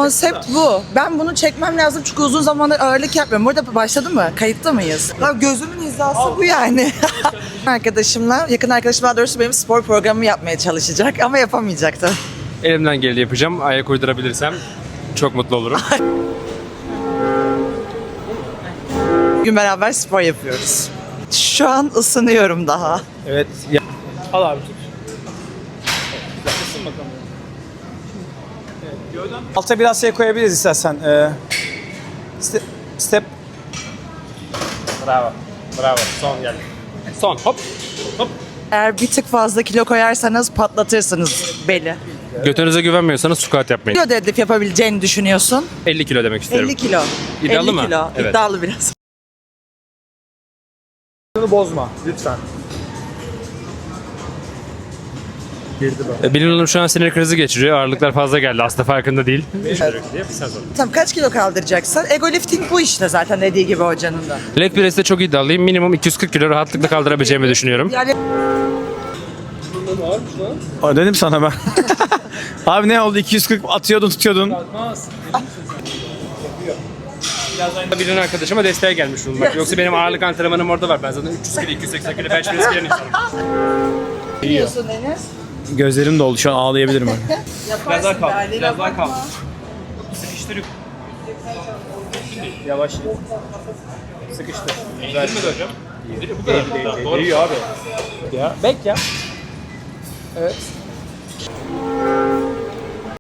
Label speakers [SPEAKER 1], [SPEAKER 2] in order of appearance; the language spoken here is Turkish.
[SPEAKER 1] konsept bu. Ben bunu çekmem lazım çünkü uzun zamandır ağırlık yapmıyorum. Burada başladı mı? Kayıtta mıyız? Ya gözümün hizası bu yani. Arkadaşımla, yakın arkadaşım daha doğrusu benim spor programımı yapmaya çalışacak ama yapamayacaktı.
[SPEAKER 2] Elimden geleni yapacağım. Ayak uydurabilirsem çok mutlu olurum.
[SPEAKER 1] Bugün beraber spor yapıyoruz. Şu an ısınıyorum daha.
[SPEAKER 3] Evet. Al abi tut. Bakalım. Alta biraz şey koyabiliriz istersen. Step.
[SPEAKER 2] Bravo. Bravo. Son geldi. Son. Hop. Hop.
[SPEAKER 1] Eğer bir tık fazla kilo koyarsanız patlatırsınız beli.
[SPEAKER 2] Götünüze güvenmiyorsanız squat yapmayın.
[SPEAKER 1] Kilo deadlift yapabileceğini düşünüyorsun.
[SPEAKER 2] 50 kilo demek istiyorum.
[SPEAKER 1] 50 kilo.
[SPEAKER 2] İddialı
[SPEAKER 1] 50
[SPEAKER 2] mı?
[SPEAKER 1] kilo.
[SPEAKER 2] Evet.
[SPEAKER 1] İddialı biraz.
[SPEAKER 3] Bunu bozma lütfen.
[SPEAKER 2] Bilin Hanım şu an sinir krizi geçiriyor. Ağırlıklar fazla geldi. Aslında farkında değil.
[SPEAKER 1] Tamam, kaç kilo kaldıracaksın? Ego lifting bu işte zaten dediği gibi hocanın da.
[SPEAKER 2] Leg press'te çok iddialıyım. Minimum 240 kilo rahatlıkla kaldırabileceğimi düşünüyorum.
[SPEAKER 1] Yani
[SPEAKER 3] Dedim sana ben. Abi ne oldu? 240 atıyordun tutuyordun.
[SPEAKER 2] Bilin arkadaşıma desteğe gelmiş bulunmak. Yoksa benim ağırlık antrenmanım orada var. Ben zaten 300 kilo, 280 kilo bench press giren insanım.
[SPEAKER 1] biliyorsun Enes.
[SPEAKER 3] Gözlerim doldu şu an ağlayabilirim ben.
[SPEAKER 1] Yaparsın be, aileyle bakma.
[SPEAKER 2] Sıkıştırıp.
[SPEAKER 3] Yavaş. Sıkıştır.
[SPEAKER 2] Eğdirmedi hocam. Eğdiriyor bu kadar. Doğru.
[SPEAKER 3] abi. Ya. Bek ya. Evet.